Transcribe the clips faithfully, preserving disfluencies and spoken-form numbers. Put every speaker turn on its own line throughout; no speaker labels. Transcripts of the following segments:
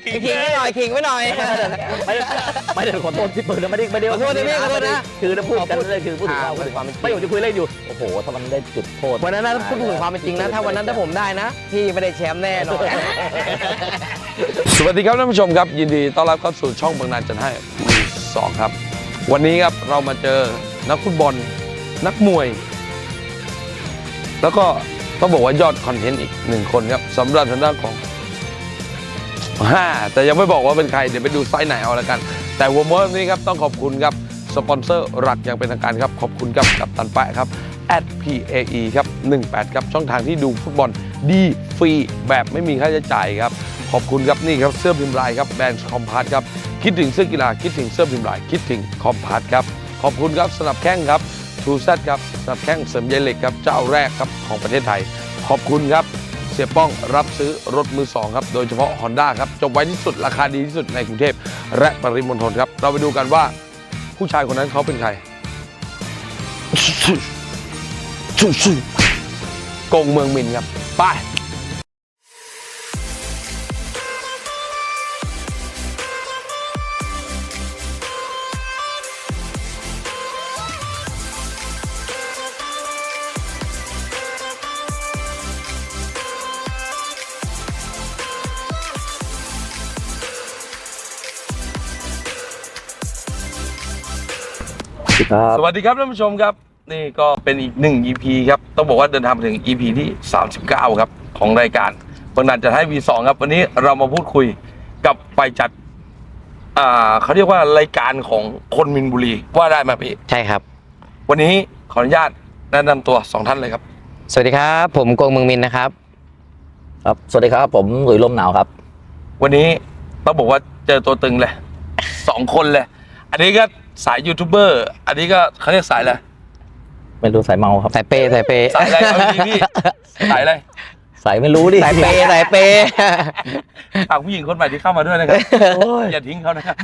ขิงไว้หน่อยขิงไว้หน่อย
ไม่ไม่ได้ขอโทษที่เปิดไม่ได้ไม่ได้
ขอโทษนะพี่ขอโทษนะ
คือพูดกันเลยคือพูดถึงความไม่ผมจะคุยเล่นอยู่โอ้โหถ้ามันได้จุดโทษ
วันนั้นนะพูดถึงความเป็นจริงนะถ้าวันนั้นถ้าผมได้นะพี่ไม่ได้แชมป์แน่นอน
สวัสดีครับท่านผู้ชมครับยินดีต้อนรับเข้าสู่ช่องบางนาจัดให้มือสองครับวันนี้ครับเรามาเจอนักฟุตบอลนักมวยแล้วก็ต้องบอกว่ายอดคอนเทนต์อีกหนึ่งคนครับสำหรับทางด้านของห้าแต่ยังไม่บอกว่าเป็นใครเดี๋ยวไปดูไซส์ไหนเอาละกันแต่หัวม้วนนี้ครับต้องขอบคุณครับสปอนเซอร์หลักอย่างเป็นทางการครับขอบคุณครับกับตันแปะครับ แอท พี เอ อี ครับหนึ่งแปดครับช่องทางที่ดูฟุตบอลดีฟรีแบบไม่มีค่าใช้จ่ายครับขอบคุณครับนี่ครับเสื้อพิมพ์ลายครับแบรนด์คอมพาร์ตครับคิดถึงเสื้อกีฬาคิดถึงเสื้อพิมพ์ลายคิดถึงคอมพาร์ตครับขอบคุณครับสนับแข้งครับทูแซดครับสนับแข้งเสริมใยเหล็กครับเจ้าแรกครับของประเทศไทยขอบคุณครับเสียป้องรับซื้อรถมือสองครับโดยเฉพาะ Honda ครับจบไว้ที่สุดราคาดีที่สุดในกรุงเทพและปริมณฑลครับเราไปดูกันว่าผู้ชายคนนั้นเขาเป็นใครกงเมืองมินครับไปสวัสดีครับท่านผู้ชมครับนี่ก็เป็นอีกหนึ่ง อี พี ครับต้องบอกว่าเดินทางมาถึง อี พี ที่สามสิบเก้าครับของรายการบางนาจัดให้ วี สอง ครับวันนี้เรามาพูดคุยกับไปจัดอ่าเขาเรียกว่ารายการของคนมินบุรีว่าได้ไหมพี่
ใช่ครับ
วันนี้ขออนุญาตแนะนำตัวสองท่านเลยครับ
สวัสดีครับผมกงเมืองมินนะครับ
ครับสวัสดีครับผมหลุยลมหนาวครับ
วันนี้ต้องบอกว่าเจอตัวตึงเลยสองคนเลยอันนี้ก็สายยูทูบเบอร์อันนี้ก็เขาเรียกสายอะไร
ไม่รู้สายเมาครับ
สายเปย์สายเปย์
สายอะไรเอาดีพี่สายอะไร
สายไม่รู้ดิ
สายเปย์สายเปย์
ฝากผู้หญิงคนใหม่ที่เข้ามาด้วยนะครับอย่าทิ้งเขานะครับ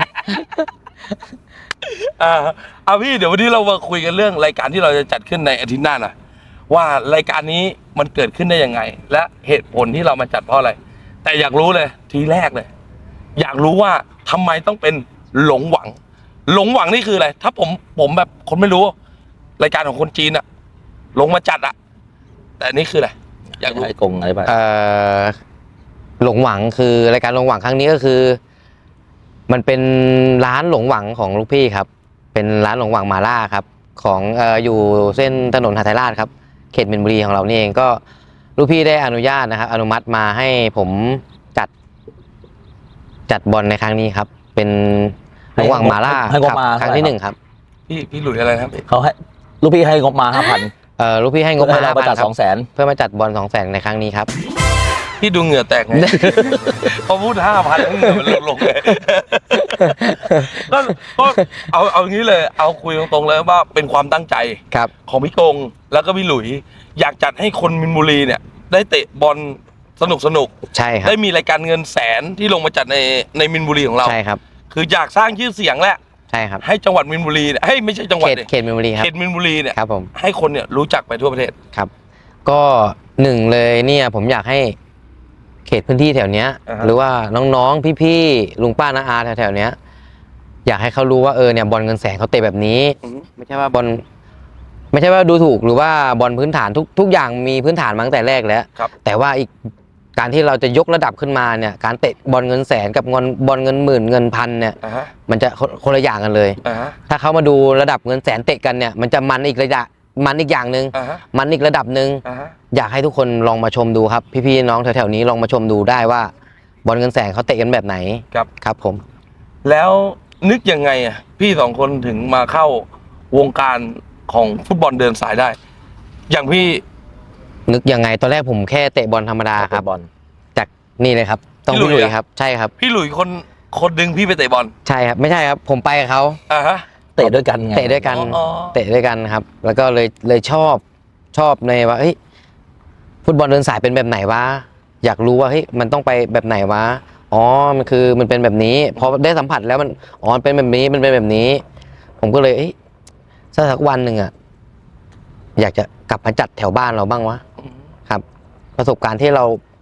อ่าเอาพี่เดี๋ยววันนี้เรามาคุยกันเรื่องรายการที่เราจะจัดขึ้นในอาทิตย์หน้าหน่อยว่ารายการนี้มันเกิดขึ้นได้ยังไงและเหตุผลที่เรามาจัดเพราะอะไรแต่อยากรู้เลยทีแรกเลยอยากรู้ว่าทำไมต้องเป็นหลงหวังหลงหวังนี่คืออะไรถ้าผมผมแบบคนไม่รู้รายการของคนจีนอะลงมาจัดอะแต่นี่คืออะไร
อยากรู้ไอ้กงอะไรบ้าง
เอ่อหลงหวังคือรายการหลงหวังครั้งนี้ก็คือมันเป็นร้านหลงหวังของลูกพี่ครับเป็นร้านหลงหวังมาล่าครับของเอ่ออยู่เส้นถนนหทัยราชครับเขตมินบุรีของเรานี่เองก็ลูกพี่ได้อนุญาตนะครับอนุมัติมาให้ผมจัดจัดบอลในครั้งนี้ครับเป็นหลงหวังมาล่าครั้งที่หนึ่งครับ
พี่พี่หลุยอะไรครับ
เขาให้ลูกพี่ให้งบมาห้าพัน
เอ่อลูกพี่ให้งบมา
ห้าพันจัดสองแสน
เพื่อมาจัดบอลสองแสนในครั้งนี้ครับ
พี่ดูเหงื่อแตกไงพอพูดห้าพันเหงื่อมันลงเลยก็ก็เอาเอางี้เลยเอาคุยตรงๆเลยว่าเป็นความตั้งใจของพี่กงแล้วก็พี่หลุยอยากจัดให้คนมินบุรีเนี่ยได้เตะบอลสนุกสนุก
ใช่ครับ
ได้มีรายการเงินแสนที่ลงมาจัดในในมินบุรีของเรา
ใช่ครับ
คืออยากสร้างชื่อเสียงแหละ
ใช่ครับ
ให้จังหวัดมินบุรีเนี่ยให้ไม่ใช่จังหวัด
เขตมินบุรีครับ
เขตมินบุรีเนี่ย
ครับผม
ให้คนเนี่ยรู้จักไปทั่วประเทศ
ครับก็หนึ่งเลยเนี่ยผมอยากให้เขตพื้นที่แถวเนี้ยหรือว่าน้องๆพี่ๆลุงป้าน้าอาแถวๆเนี้ยอยากให้เขารู้ว่าเออเนี่ยบอลเงินแสนเขาเตะแบบนี้ไม่ใช่ว่าบอลไม่ใช่ว่าดูถูกหรือว่าบอลพื้นฐานทุกทุกอย่างมีพื้นฐานมาตั้งแต่แรกแล้วแต่ว่าอีกการที่เราจะยกระดับขึ้นมาเนี่ยการเตะบอลเงินแสนกับบอลบอลเงินหมื่นเงินพันเนี่ยมันจะคนละอย่างกันเลยถ้าเขามาดูระดับเงินแสนเตะกันเนี่ยมันจะมันอีกระดับมันอีกอย่างหนึ่งมันอีกระดับหนึ่งอยากให้ทุกคนลองมาชมดูครับพี่ๆน้องแถวๆนี้ลองมาชมดูได้ว่าบอลเงินแสนเขาเตะกันแบบไหน
ครับ
ครับผม
แล้วนึกยังไงอ่ะพี่สองคนถึงมาเข้าวงการของฟุตบอลเดินสายได้อย่างพี่
นึกยังไงตอนแรกผมแค่เตะบอลธรรมดาครับบอลจากนี่เลยครับต้องพี่หลุยครับใช่ครับ
พี่หลุยคนคนดึงพี่ไปเตะบอล
ใช่ครับไม่ใช่ครับผมไปกับเขา
อ่าฮะ
เตะด้วยกันไง
เตะด้วยกันเตะด้วยกันครับแล้วก็เลยเลยชอบชอบในว่าเฮ้ยฟุตบอลเดินสายเป็นแบบไหนวะอยากรู้ว่าเฮ้ยมันต้องไปแบบไหนวะอ๋อมันคือมันเป็นแบบนี้พอได้สัมผัสแล้วมันอ๋อเป็นแบบนี้มันเป็นแบบนี้ผมก็เลยเอ้ยสักวันหนึ่งอ่ะอยากจะกลับมาจัดแถวบ้านเราบ้างวะครับประสบการณ์ที่เรา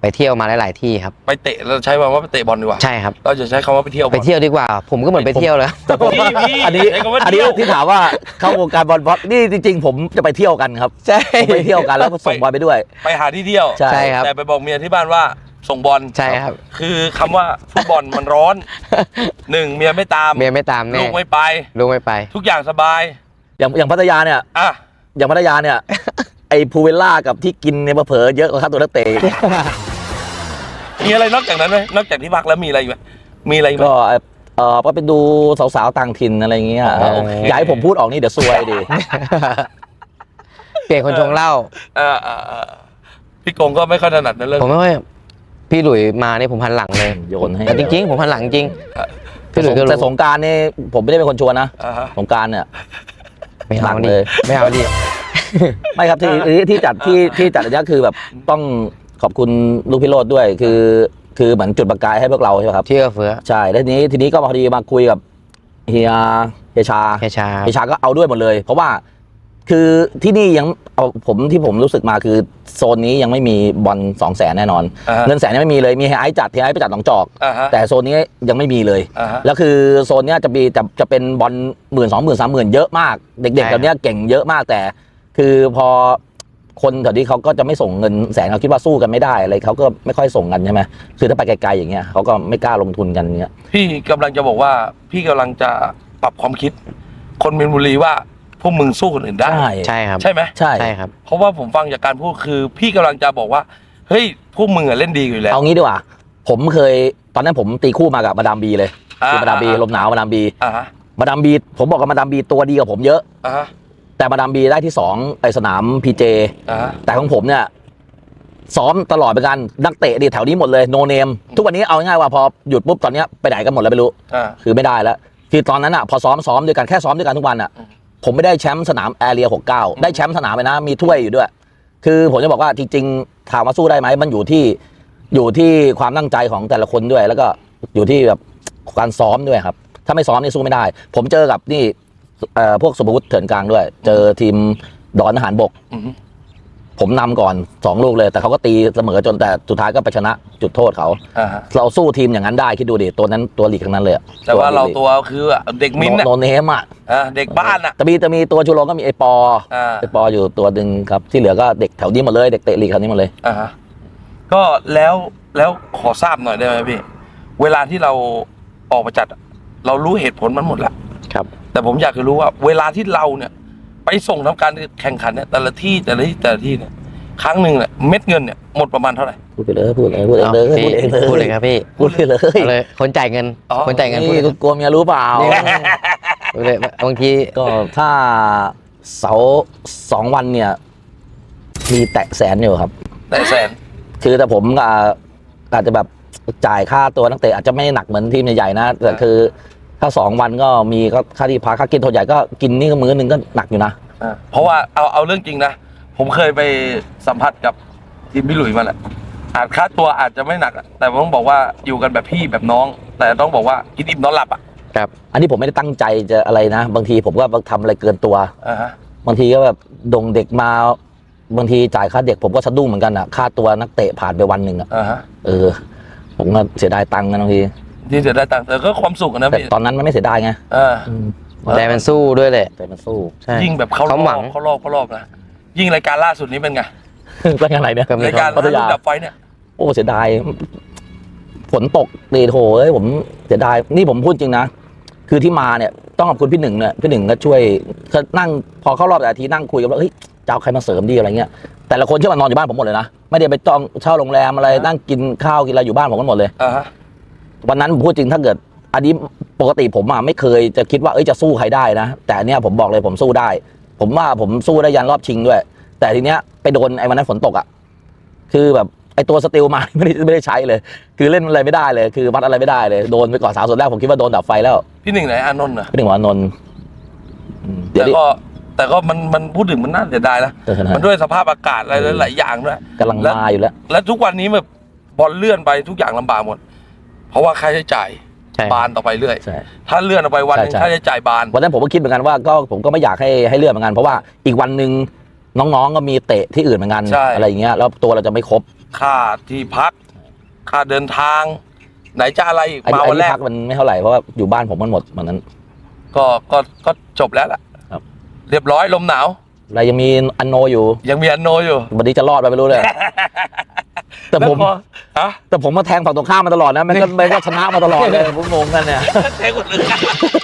ไปเที่ยวมาหลายๆที่ครับ
ไปเตะเราใช้คำว่าไปเตะบอลดีกว่า
ใช่ครับ
เราจะใช้คำว่าไปเที่ยวบอล
ไปเที่ยวดีกว่า ผมก็เหมือนไปเที่ยวแล้ว
แต่ผม
พี่พี่
อันนี้
ใช้คำว่า
อันนี้
เที่ยว
ที่ถามว่าเข้าวงการบอลบอลนี่จริงๆ ผมจะไปเที่ยวกันครับ
ใช่
ผมไปเที่ยวกันแล้วก็ส่งบอลไปด้วย
ไปหาที่เที่ยว
ใช่
ใช่ครับ
แต่ไปบอกเมียที่บ้านว่าส่งบอล
ใช่ครับ
คือคำว่าฟุตบอลมันร้อน หนึ่งเมียไม่ตาม
เมียไม่ตามแน่
ลูกไม่ไป
ลูกไม่ไป
ทุกอย่างสบาย
อย่างอย่างพัทยาเนี่ย
อ่ะ
อย่างพัทยาเนี่ย ไอ้พูเวลล่ากับที่กินเนี่ยเผลอๆเยอะกว่าค่าตัวนักเตะ
มีอะไรนอกจากนั้นไหมนอกจากที่พักแล้วมีอะไรอีกไหมมีอะไรอีกไหม
ก็เออก็ไปดูสาวๆต่างถิ่นอะไรอย่างเงี้ย
อ๋อโอเค
อย่าให้ผมพูดออกนี่เดี๋ยวซวยดิ
เปลี่ยนคนชงเหล้า
เออเออเออพี่กงก็ไม่ค่อยถนัดในเรื่อง
ผมไม่ค่อยพี่หลุยมานี่ผมหันหลังเลย
โยนให้
แต่จริงๆ ผมหันหลังจริง
แต่
พี่หลุยก็
แต่
รู้
สงกรารนี่ผมไม่ได้เป็นคนชวนนะ
อ่าฮะ
สงกรารเนี่ย
ไม่
หลั
เอา
ง
ดิ
เลย
ไม่เอาดิ
ไม่ครับที่ที่ที่จัดที่ที่จัดอันเนี้ยคือแบบต้องขอบคุณลูกพี่โรดด้วยคือ คือเหมือนจุดประกายให้พวกเราใช่ไหมครับ
ที่เอื้อเฟื้อ
ใช่แล้วทีนี้ทีนี้ก็พอดีมาคุยกับเฮียเฮียชา
แค่ชา
เฮียชาก็เอาด้วยหมดเลย เพราะว่าคือที่นี่ยังเอาผมที่ผมรู้สึกมาคือโซนนี้ยังไม่มีบอลสองแสนแน่นอน
อ่าฮะ
เงินแสนยังไม่มีเลยมีเฮียไอซ์จัดเฮียไอซ์ไปจัดหนองจอก
อ่าฮะ
แต่โซนนี้ยังไม่มีเลย
อ่าฮะ
แล้วคือโซนเนี้ยจะมีจะจะเป็นบอลหมื่นสองหมื่นสามหมื่นเยอะมาก เด็กๆแถวเนี้ยเก่งเยอะมากแต่ คือพอคนแถวนี้เขาก็จะไม่ส่งเงินแสนเขาคิดว่าสู้กันไม่ได้อะไรเขาก็ไม่ค่อยส่งกันใช่ไหมคือถ้าไปไกลๆอย่างเงี้ยเขาก็ไม่กล้าลงทุนกันเงี้ย
พี่กำลังจะบอกว่าพี่กำลังจะปรับความคิด คนมีนบุรีว่าพวกมึงสู้คนอื่นได้
ใช่
ใช่ครับ
ใช่ไหม
ใช่
ใช่ครับ
เพราะว่าผมฟังจากการพูดคือ พี่กำลังจะบอกว่าเฮ้ยพวกมึงอะเล่นดีอยู่แล้ว
เอางี้ดีกว่า ผมเคยตอนนั้นผมตีคู่มากับมาดามบีเลยคือมาดามบีลมหนาวมาดามบี
อ่าฮะ
มาดามบีผมบอกกับมาดามบีตัวดีกว่าผมเยอะ
อ่าฮะ
แต่มาดามบีได้ที่สองไอสนามพีเจ
อ่าฮะ
แต่ของผมเนี่ยซ้อมตลอดเหมือนกันนักเตะดีแถวนี้หมดเลยโนเนมทุกวันนี้เอาง่ายๆว่าพอหยุดปุ๊บตอนเนี้ยไปไหนกันหมดแล้วไม่รู้
อ่า
คือไม่ได้แล้วคือตอนนั้นอ่ะพอซ้อมซ้อมด้วยกันแค่ซ้อมด้วยกันทุกวันอ่ะ
อืม
ผมไม่ได้แชมป์สนามแอเรียหกเก้าได้แชมป์สนามไปนะมีถ้วยอยู่ด้วย คือผมจะบอกว่าจริงๆถามว่าสู้ได้ไหมมันอยู่ที่อยู่ที่ความตั้งใจของแต่ละคนด้วย แล้วก็อยู่ที่แบบการซ้อมด้วยครับถ้าไม่ซ้อมนี่สู้ไม่ได้ ผมเจอกับนี่เอ่อพวกสุภวุฒิเถื่อนกลางด้วย เจอทีมดอนทหารบก
อืม
ผมนำก่อนสองลูกเลย แต่เขาก็ตีเสมอจนแต่สุดท้ายก็ไปชนะจุดโทษเขา
อ่าฮะ
เราสู้ทีมอย่างนั้นได้คิดดูดิตัวนั้นตัวหลีกทั้งนั้นเลยอะ
แต่ว่าเราตัวคือเด็กมิ้นท์
โน
อะ
โนเนมอ่ะ
อ่าเด็กบ้านอะ
จะมีจะมีตัวชูโรงก็มีไอปอ
อ่า
ไอปออยู่ตัวหนึ่งครับที่เหลือก็เด็กแถวนี้หมดเลยเด็กเตะลีกแถวนี้หมดเลย
อ่าฮะก็แล้วแล้วขอทราบหน่อยได้ไหมพี่ เวลาที่เราออกมาจัดอะเรารู้เหตุผลมันหมดแล้ว
ครับ
แต่ผมอยากจะรู้ว่า เวลาที่เราเนี่ย ไปส่งทำการแข่งขันเนี่ยแต่ละที่แต่ละที่แต่ละที่เนี่ยครั้งหนึ่งเนี่ยเม็ดเงินเนี่ยหมดประมาณเท่าไหร่
พูดไปเลยพูดเลยพูดเองเลย
เอา
พูดเองเลย
พูดเลยครับพี่
พูดเลยเลย
เอาเลยคนจ่ายเงิน
อ๋อ
คนจ่ายเงินพูด
นี่กลัวเมียรู้เปล่า
พูดเลยบางที
ก็ถ้าเสาสองวันเนี่ย มีแตะแสนอยู่ครับ
แต่แสน
คือแต่ผมก็อาจจะแบบจ่ายค่าตัวนักเตะอาจจะไม่หนักเหมือนทีมใหญ่ๆนะแต่คือถ้าสองวันก็มีก็ค่าที่พักค่ากินตัวใหญ่ก็กินนี่ก็มื้อหนึงก็หนักอยู่นะ
อ่าเพราะว่าเอาเอาเรื่องจริงนะ ผมเคยไปสัมผัสกับทีมพี่หลุยมาแหละอาจค่าตัวอาจจะไม่หนักอะแต่ผมต้องบอกว่าอยู่กันแบบพี่แบบน้อง แต่ต้องบอกว่ากินอิ่มนอนหลับอ่ะ
ครับ
อันนี้ผมไม่ได้ตั้งใจจะอะไรนะ บางทีผมก็ทำอะไรเกินตัว
อ่าฮะ
บางทีก็แบบดงเด็กมาบางทีจ่ายค่าเด็กผมก็สะดุ้งเหมือนกันอ่ะค่าตัวนักเตะผ่านไปวันหนึ่งอ่ะ
อ่าฮะ
เออ ผมก็เสียดายตังค์กันบางที
ที่จะได้ตังค์แต่ก็ความสุขอะนะ
แต่
พี่
ตอนนั้นมันไม่เสียดายไง
เออ
อืม
แต่มันสู้ด้วยแหละ
แต่มันสู้
ใช่
ยิ่งแบบเขาร
เขา
อ
หวัง
บเขารอบเขารอบนะยิ่งรายการล่าสุดนี้เป็นไง
เป็นอะไรเนี่ย
ก็มี
รายการ
พัทยา
ลูกดับไฟเนี่ย
โอ้เสียดายฝนตกตีโถเอ้ยผมเสียดายนี่ผมพูดจริงนะคือที่มาเนี่ยต้องขอบคุณพี่หนึ่งเนี่ยพี่หนึ่งก็ช่วยก็นั่งพอเข้ารอบแต่ละทีนั่งคุยกันว่าเฮ้ยจะเอาใครมาเสริมดีอะไรเงี้ยแต่ละคนเชื่อมานอนอยู่บ้านผมหมดเลยนะไม่ได้ไปจองเช่าโรงแรมอะไรนั่งกินข้าวกินอะไรอยู่บ้านผมกันหมดเลย
อ่าฮะ
วันนั้นผมพูดจริงถ้าเกิด อันนี้ปกติผมอ่ะไม่เคยจะคิดว่าเอ้ยจะสู้ใครได้นะแต่อันเนี้ยผมบอกเลยผมสู้ได้ ผมว่าผมสู้ได้ยันรอบชิงด้วย แต่ทีเนี้ยไปโดนไอ้วันนั้นฝนตกอ่ะคือแบบไอ้ตัวสติลมา ไม่ได้ไม่ได้ใช้เลย คือเล่นอะไรไม่ได้เลย คือวัดอะไรไม่ได้เลยโดนไปก่อนสาวส่วนแรกผมคิดว่าโดนดับไฟแล้ว
พี่หนึ่งไหนอานนท์เหรอ
พี่หนึ่งว่านนท์อืมเดี๋ย
แต่
วดิ
ก็แต่ก็มันมันพูดถึงมันน่าเสียดายนะ
เออนะ
มันด้วยสภาพอากาศอะไรหลายๆอย่างด้วย
กำลังมาอยู่แล้ว
และทุกวันนี้แบบบอลเลื่อนไปทุกอย่างลำบากหมด เพราะว่าค่าใช้จ่าย
ใช่
บานต่อไปเรื่อย
ใช่
ถ้าเลื่อนออกไปวันหนึง
ใช่ใช่
ค่าใช้จ่ายบาน
วันนั้นผมก็คิดเหมือนกันว่าก็ผมก็ไม่อยากให้ให้เลื่อนเหมือนกันเพราะว่าอีกวันหนึ่งน้องๆก็มีเตะที่อื่นเหมือนกัน
ใช่
อะไรอย่างเงี้ยแล้วตัวเราจะไม่ครบ
ค่าที่พัก ค่าเดินทาง ไหนจะอะไรอีก
ไอ้
มา
ไอ้
วันแร
ที่
ก
พักมันไม่เท่าไหร่เพราะว่าอยู่บ้านผมมันหมดวันนั้น
ก็ก็ก็จบแล้วล่ะ
ครับ
เรียบร้อยลมหนาว
เรายังมีอันโนอยู่
ยังมีอันโนอยู่
วันนี้จะรอดไปไม่รู้เลย แต่ผม
ล้วพอฮะ
แต่ผมมาแทงฝั่งตรงข้ามมาตลอดนะมันก็มันก็ชนะมาตลอดเลยผมงงกันเนี่ย
แทงคนอื่น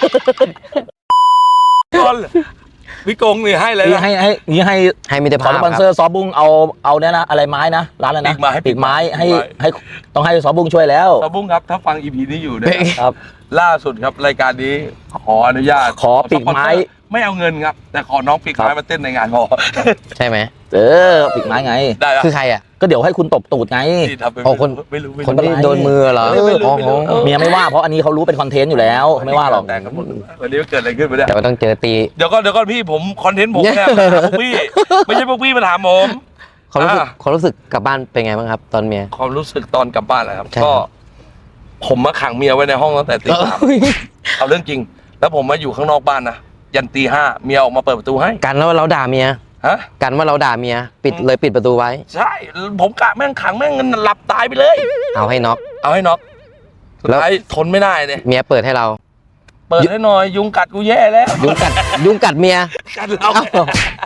ก้อนพี่กงนี่ให้เลย
นี่
นะ
ให้ให้นี่ให้
ให้มิตร
ขอ
ภาพ
สปอน
ค
เซอ
รับ
ร์ซอบุ้งเอาเอาเนี่ยนะอะไรไม้นะร้านอะไรนะ
ปีกไม้
ปีกไม้ให้
ปีกไม้
ให้ต้องให้ซอบุ้งช่วยแล้ว
ตาบุ้งครับ ถ้าฟังอีพีนี้อยู่เนี่ย
ครับ
ล่าสุดครับรายการนี้ขออนุญาต
ขอปีกไม้
สปอนเซอร์ไม่เอาเงินครับ แต่ขอน้องปีกไม้
ครับ
มาเต้นในงานพอ
ใช่ไหม
เออปีกไม้ไง
ได้แล้ว
คือใครอ่ะ
ก็เดี๋ยวให้คุณตบตูดไง
ที่ทำไป
อ๋อคน
ไม่รู้ไม่
คน
รู้
ที่โดนมือเหรอ
ไม่รู้ไม่รู้
อ๋อ
ไม่รู้
อ๋อ
เมียไม่ว่าเพราะอันนี้เขารู้เป็นคอนเทนต์อยู่แล้วไม่ว่าหรอก
แต่งกันหมดวันนี้เกิดอะไรขึ้นไปเนี่ย
แต่ว่าต้องเจอตี
เดี๋ยวก็เดี๋ยวก็พี่ผมคอนเทนต์ผมเนี่ยมาถามพวกพี่ ไม่ใช่พวกพี่มาถามผม
ความรู้สึก
อ่า
ความรู้สึกกลับบ้านเป็นไงบ้างครับ ตอนเมีย
ความรู้สึกตอนกลับบ้านแหละครับ
ใช่
ก็ ผมมาขังเมียไว้ในห้องตั้งแต่ตีสามเอาเรื่องจริง แล้วผมมาอยู่ข้างนอกบ้านนะยันตีห้าเมียออกมาเปิดประตูให้
กันว่าเราด่าเมีย
ฮะ
กันว่าเราด่าเมีย ปิดเลยปิดประตูไว้
ใช่ ผมกะแม่งขังแม่งหลับตายไปเลย
เอาให้น็อก
เอาให้น็อกสุด
แล้ว
ท้ายทนไม่ได้เนี่ย
เมียเปิดให้เรา
เปิดให้หน่อยยุงกัดกูแย่แล้ว
ยุงกัด ยุงกัดเมีย
กัดเรา
เอ้า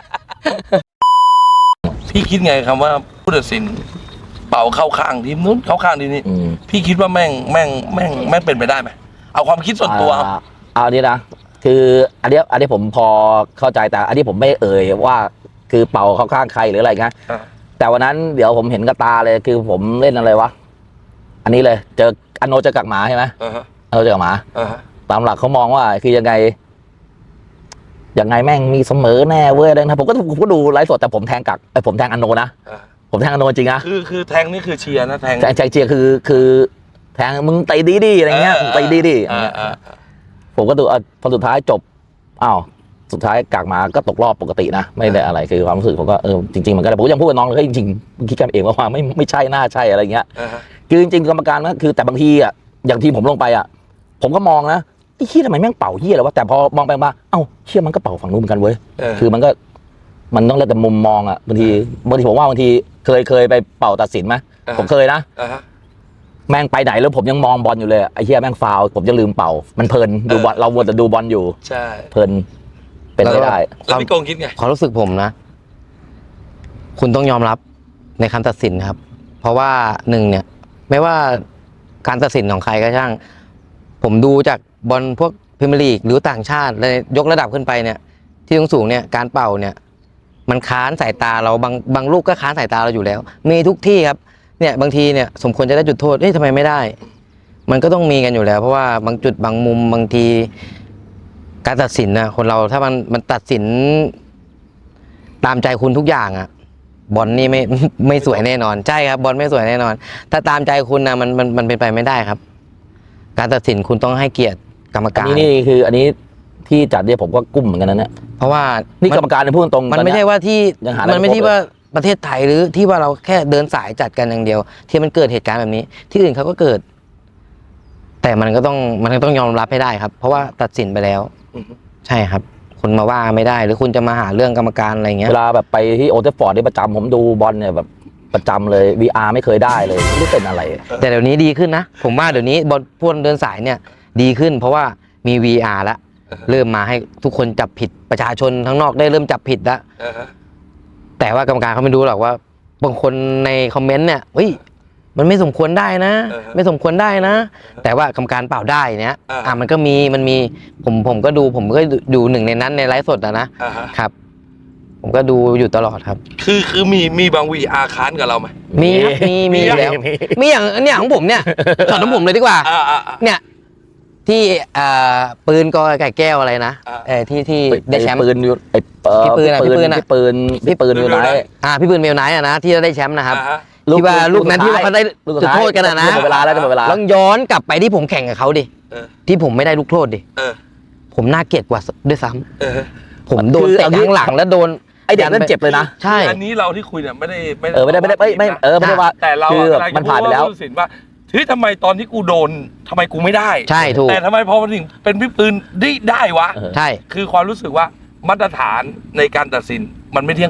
พี่คิดไงคำว่าผู้ตัดสินเป่าเข้าข้างทีมนู้นเข้าข้างทีมนี้
อืม
พี่คิดว่าแม่งแม่งแม่งแม่งเป็นไปได้ไหมเอาความคิดส่วนตัวเอา
อ่าเอาอันนี้นะคืออันเนี้ยอันนี้ผมพอเข้าใจแต่อันนี้ผมไม่เอ่ยว่าคือเป่าเข้าข้างใครหรืออะไรเงี้ย
อ่า
แต่วันนั้นเดี๋ยวผมเห็นกับตาเลยคือผมเล่นอะไรวะอันนี้เลยเจออันโนเจอกับหมาใช่ไหม
อ่าฮะ
อันโนเจอกับหมา
อ่าฮะ
ตามหลักเขามองว่าคือยังไงยังไงแม่งมีเสมอแน่เว้ยอะไรนะผมก็ผมก็ดูไลฟ์สดแต่ผมแทงกักไอ้ยผมแทงอันโนนะ
อ่า
ผมแทงอันโนจริงนะ
คือคือแทงนี่คือเชียร์นะแทง
แทงแทงเจียคือคือแทงมึงตีดีดีอะไรเงี้ยมึงตีดีดี
อ่าอ่าอ่า
ผมก็ดูอ่ะพอสุดท้ายจบอ้าวสุดท้ายกากมาก็ตกรอบปกตินะไม่ได้อะไรคือความรู้สึกผมก็เออจริงๆมันก็ได้ผมก็ยังพูดกับน้องเลยเฮ้ยจริงๆมึงคิดกันเองว่าไม่ไม่ใช่น่าใช่อะไรเงี้ย
อ่าฮะ
คือจริงๆกรรมการมันก็คือแต่บางทีอ่ะอย่างที่ผมลงไปอ่ะผมก็มองนะไอ้เหี้ยทำไมแม่งเป่าเหี้ยอะไรวะแต่พอมองไปมาเอ้าเหี้ยมันก็เป่าฝั่งนู้นเหมือนกันเว้ย
เออ
คือมันก็มันต้องแล้วแต่มุมมองอ่ะบางทีบางทีผมว่าบางทีเคยเคยไปเป่าตัดสินไหมผมเคยนะ
อ่าฮะ
แม่งไปไหนแล้วผมยังมองบอลอยู่เลยไอ้เหี้ยแม่งฟาวล์ผมจะลืมเป่า มันเพลินดูบอลเราวัวแต่ดูบอลอยู่
ใช่
เพลินเป็นไม่ได้
แล้วพี่โกงคิดไง
ความรู้สึกผมนะ คุณต้องยอมรับในคำตัดสินครับ เพราะว่าหนึ่งเนี่ย ไม่ว่าการตัดสินของใครก็ช่าง ผมดูจากบอลพวกพรีเมียร์ลีกหรือต่างชาติเลยยกระดับขึ้นไปเนี่ย ที่สูงๆเนี่ยการเป่าเนี่ย มันค้านสายตาเราบางบางลูกก็ค้านสายตาเราอยู่แล้ว มีทุกที่ครับ เนี่ยบางทีเนี่ยสมควรจะได้จุดโทษเอ้ยทำไมไม่ได้ มันก็ต้องมีกันอยู่แล้ว เพราะว่าบางจุดบางมุมบางที การตัดสินนะคนเราถ้ามันมันตัดสิน ตามใจคุณทุกอย่างอะบอลนี่ไม่ ไม่สวยแน่นอนใช่ครับบอลไม่สวยแน่นอน ถ้าตามใจคุณนะมันมันมันเป็นไปไม่ได้ครับ การตัดสินคุณต้องให้เกียรติกรรม
อัน
การ
นี้นี่คืออันนี้ที่จัดเนี่ยผมก็กุ้มเหมือนกันนะเนี่ย
เพราะว่า
นี่
มั
กรรมการเนี่ยพูดตรงๆ
มันไม่ใช่ว่าที่
ยังหาอะไร
มันไม่
ไม่พบ
ที่ว่าประเทศไทยหรือที่ว่าเราแค่เดินสายจัดกันอย่างเดียว ที่มันเกิดเหตุการณ์แบบนี้ ที่อื่นเขาก็เกิด แต่มันก็ต้องมันก็ต้องยอมรับให้ได้ครับ เพราะว่าตัดสินไปแล้ว
อือฮึ
ใช่ครับ คุณมาว่าไม่ได้ หรือคุณจะมาหาเรื่องกรรมการอะไรเงี้ย
เวลาแบบไปที่โอเทฟฟอร์ดที่ประจำผมดูบอลเนี่ยแบบประจำเลย วี อาร์ ไม่เคยได้เลยไม่รู้เป็นอะไร
แต่เดี๋ยวนี้ดีขึ้นนะ ผมว่าเดี๋ยวนี้บอลพวกเดินสายเนี่ย ดีขึ้น เพราะว่ามี วี อาร์ แล้วเริ่มมาให้ทุกคนจับผิดประชาชนทั้งนอกได้เริ่มจับผิดแล้ว
อ่าฮะ
แต่ว่ากรรมการเขาไม่รู้หรอกว่าบางคนในคอมเมนต์เนี่ยเฮ้ยมันไม่สมควรได้นะ ไม่สมควรได้นะ แต่ว่ากรรมการเปล่าได้เนี่ยอ่ะมันก็มีมันมีผมผมก็ดูผมก็ดูหนึ่งในนั้นในไลฟ์สดนะนะ
อ่าฮะ
ครับ ผมก็ดูอยู่ตลอดครับ
คือคือมีมีบางวีอาร์ค้านกับเราไหม
มีครับมีมีอยู่แล้ว มีอย่างเนี่ยของผมเนี่ยช็อตของผมเลยดีกว่า
อ่าอ่าอ่า
เนี่ยที่อ่าปืนกอไก่แก้วอะไรนะ
อ่า
เออที่ที่ได้แชมป์
ปืนอยู่ไอ้เอ่อ
พี่ปืนอะ
พี่
พี่ปื
ปื
น
น
อะ
พี่ปืนพี่ปืนอยู่ไหน
อ่าพี่ปืนเมลไนท์อะนะที่ได้แชมป์นะครับ
อ่าฮะ
ที่ว่าลูกนั้นที่ว่าเขาได้
ลูก
จุดโทษกันอะนะ
หมดเวลาแล้วจะหมดเวลา
ลองย้อนกลับไปที่ผมแข่งกับเขาดิ
เออ
ที่ผมไม่ได้ลูกโทษดิ
เออ
ผมน่าเกลียดกว่าด้วยซ้ำ
เออ
ผมโดน
คือ
เตะ
เอางี้
ข้างหลังแล้วโดน
ไอเด็กนั่นเจ็บเลยนะ
ใช่
อันนี้เราที่คุยเนี่ยไม่ได้ไม่
เออไม่ได้ไม่ได้ไม่ไม่เออไม่ได้ว่า
แต่เรา
คือ
อะกำลังจะ
มันผ่านไปแล้ว
พูดว่าผู้ตัดสินว่าเฮ้ยทำไมตอนที่กูโดนทำไมกูไม่ได้
ใช่ถูก
แต่ทำไมพอมาถึงเป็นพี่ปืนได้ได้วะ
เออ
ใช่
คือความรู้สึกว่ามาตรฐานในการตัดสินมันไม่เที่ยงตรง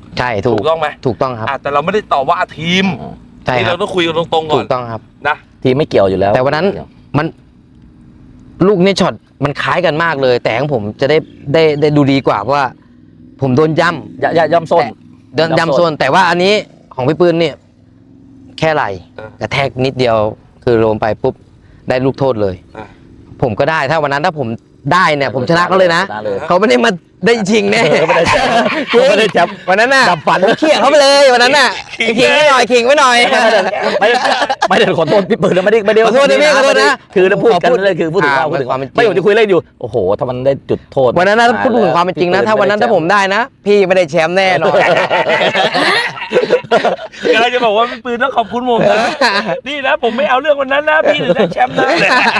ใช่ถูก
ถูกต้องไหม
ถูกต้องครับ
อ่ะแต่เราไม่ได้ต่อว่าทีม
ใช่
นี่
ครั
เรา
บ
ต้องคุยกันตรงๆก่
ถู
อน
กต้องครับ
นะ
ทีมไม่เกี่ยวอยู่แล้ว
แต่วันนั้นมันลูกนี้ช็อตมันคล้ายกันมากเลย แต่ของผมจะได้ได้ได้ดูดีกว่าเพราะว่า ผมโดนย่ำ
อย่าอย่าย่ำส้น
เดิน
ย่ำ
ย่ำ
ส้
โซ
น
นแต่ว่าอันนี้ของพี่ปืนเนี่ย แค่ไหลกระแทกนิดเดียว คือลงไปปุ๊บได้ลูกโทษเลย
อ่ะ
ผมก็ได้ถ้าวันนั้นถ้าผมได้เนี่ย ผมชนะเขาเลยนะ
ชนะเลย
เขาไม่ได้มาได้ชิงแน่
เออไม่ได้แชมป์ไม่ได้แชมป์
วันนั้นน่ะ
ดับฝัน
ผมเขี่ยเขาไปเลยวันนั้นน่ะขิงไว้หน่อยขิงไว้หน่อย
ไม่ได้ไม่ได้ขอโทษพี่ปืนนะไม่ได้ไม่ได้
ขอโทษนะพี่ขอโทษนะ
คือพูดกัน
ขอพูด
เลยคือพูดถึง
อ่า
ความพูดถึงความ
มันความเป็นจริง
ไม่ผมจะคุยเล่นอยู่โอ้โหถ้ามันได้จุดโทษ
วันนั้นนะพูดถึงความเป็นจริงนะ ถ้าวันนั้นถ้าผมได้นะ พี่ไม่ได้แชมป์แน่นอน
กำลังจะบอกว่าพี่ปืนต้องขอบคุณผมนะนี่นะผมไม่เอาเรื่องวันนั้นนะพี่ถึงได้แชมป์นะ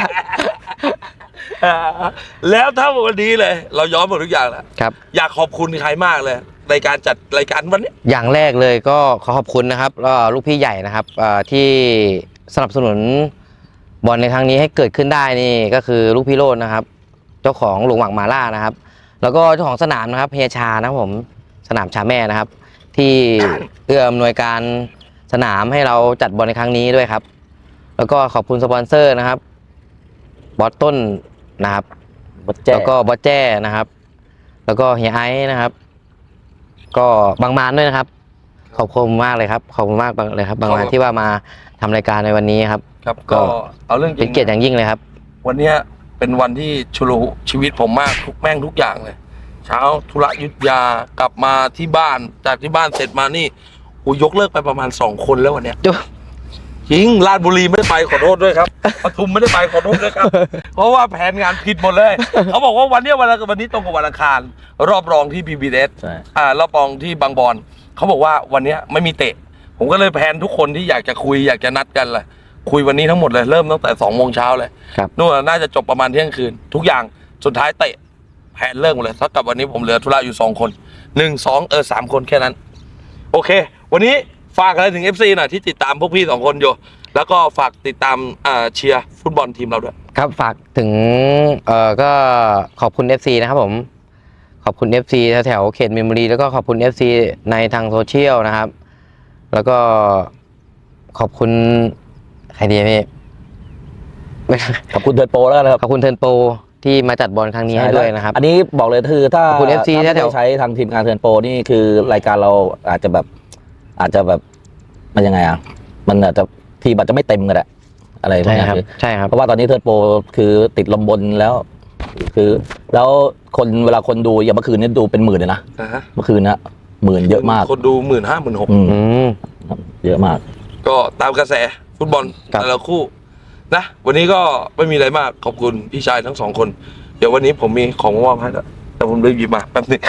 อ่าแล้วถ้าวันนี้เลย เราย้อนหมดทุกอย่างแล้ว
ครับ
อยากขอบคุณใครมากเลยในการจัดรายการวันนี้
อย่างแรกเลยก็ขอขอบคุณนะครับก็ลูกพี่ใหญ่นะครับเอ่อที่สนับสนุนบอลในครั้งนี้ให้เกิดขึ้นได้นี่ก็คือลูกพี่โรจน์นะครับ เจ้าของหลวงหวังมาล่านะครับ แล้วก็เจ้าของสนามนะครับเฮียชานะครับผมสนามชาแม่นะครับ ที่เอื้ออำนวยการสนามให้เราจัดบอลในครั้งนี้ด้วยครับ แล้วก็ขอบคุณสปอนเซอร์นะครับบอสต้นนะครับ
บัดแจ้
แล้วก็บอสแจ้นะครับ แล้วก็เฮียไอซ์นะครับ ก็บางมานด้วยนะครับ ขอบคุณมากเลยครับขอบคุณมากเลยครับ บางมานที่ว่ามาทำรายการในวันนี้ครับ
ครับ
ก็
ก็เอาเรื่องจ
เป็
ริ
น
ง
เกียรติอย่างยิ่งเลยครับ
วันเนี้ยเป็นวันที่ชุลชีวิตผมมากทุกแม่งทุกอย่างเลย เช้าธุระยุทธยากลับมาที่บ้านจากที่บ้านเสร็จมานี่โอ้ยกเลิกไปประมาณสองคนแล้ววันเนี้ย จริงราชบุรีไม่ได้ไปขอโทษด้วยครับปทุมไม่ได้ไปขอโทษด้วยครับ เพราะว่าแผนงานผิดหมดเลย เขาบอกว่าวันเนี้ยวันละวันนี้ตรงกับวันอังคาร รอบรองที่ พี บี เอส
ใช่
อ่ารอบรองที่บางบอนเขาบอกว่าวันเนี้ยไม่มีเตะ ผมก็เลยแผนทุกคนที่อยากจะคุยอยากจะนัดกันเลยคุยวันนี้ทั้งหมดเลยเริ่มตั้งแต่สองโมงเช้าเลย
ครับ
นู่นน่าจะจบประมาณเที่ยงคืน ทุกอย่างสุดท้ายเตะแผนเลิกหมดเลยเท่ากับวันนี้ผมเหลือธุระอยู่สองคนหนึ่งสองเออสามคนแค่นั้น โอเค วันนี้ฝากอะไรถึง เอฟ ซี หน่อยที่ติดตามพวกพี่สองคนอยู่ แล้วก็ฝากติดตามอ่าเชียร์ฟุตบอลทีมเราด้วย
ครับฝากถึงเอ่อก็ขอบคุณ เอฟ ซี นะครับผมขอบคุณ เอฟ ซี แถวๆเขตมีนบุรีแล้วก็ขอบคุณ เอฟ ซี ในทางโซเชียลนะครับ แล้วก็ขอบคุณใครดีพี่
ขอบคุณเทิร์นโปรแล้วกันนะครับ
ขอบคุณเทิร์นโปรที่มาจัดบอลครั้งนี้ให้ด้วยนะครับ
อันนี้บอกเลยคือถ้า
ขอบคุณ เอฟ ซี
ถ้าไม่
แถ
ได้
ว
ใช้ทางทีมงานเทิร์นโปรนี่คือรายการเราอาจจะแบบอาจจะแบบมันยังไงอ่ะมันอาจจะทีมอาจจะไม่เต็มกันแหละอะไรพวก
ใช่
นี้
ครับ
คือ
ใช่ครับ
เพราะว่าตอนนี้เทิร์นโปรคือติดลมบนแล้ว คือ แล้วคนเวลาคนดูอย่างเมื่อคืนนี้ดูเป็นหมื่นเลยนะเมื่อคืนนะหมื่นเยอะมาก
คนดูหมื่นห้าหมื่นหก
อืม
อืม
เยอะมาก
ก็ตามกระแสฟุตบอล
ครับ
แต่ละคู่นะวันนี้ก็ไม่มีอะไรมากขอบคุณพี่ชายทั้งสองคน เดี๋ยววันนี้ผมมีของมามอบให้แล้วแต่ผมลืมหยิบมาแป๊บนึง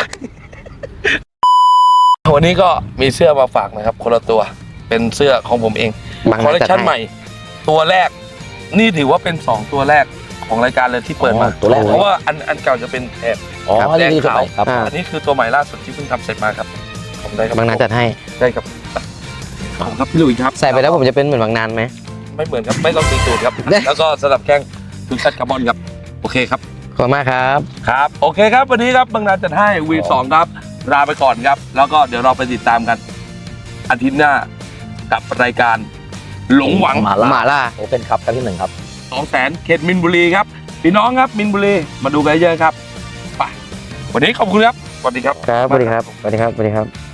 วันนี้ก็มีเสื้อมาฝากนะครับ คนละตัวเป็นเสื้อของผมเอง
บาง
คอลเลค
จัด
ชัน
ให้
ใหม่ ตัวแรก นี่ถือว่าเป็นสองตัวแรกของรายการเลยที่เปิดมา
อ๋อตัวแรก
เพราะว่าอันอันเก่าจะเป็นแถบ
อ๋อ
ครับ
นี่คือ
แดงขาว
ครับ
อ่า
อันนี้คือตัวใหม่ล่าสุดที่เพิ่งทำเสร็จมาครับผมได้ครับ
บางนาจัดให้
ได้ครับขอบคุณครับพี่ลุยครับ
ใส่ไปแล้วผมจะเป็นเหมือนบางนานไหม
ไม่เหมือนครับไม่ต้องตีตูดครับ
ได้
แล้วก็สลับแข้งทุกชัดคาร์บอนครับโอเคครับ
ขอบคุณมากครับ
ครับโอเคครับวันนี้ครับบางนาจัดให้วีสองครับลาไปก่อนครับ แล้วก็เดี๋ยวเราไปติดตามกันอาทิตย์หน้ากับรายการหลงหวัง
มาล่า
หมาล่า
โอเพ่นคัพครั้งที่หนึ่งครับ
สองแสนเขตมินบุรีครับพี่น้องครับมินบุรีมาดูกันเยอะครับไปวันนี้ขอบคุณครับสวัสดีครับ
ครับสวัสดีครับสวัสดีครับสวัสดีครับ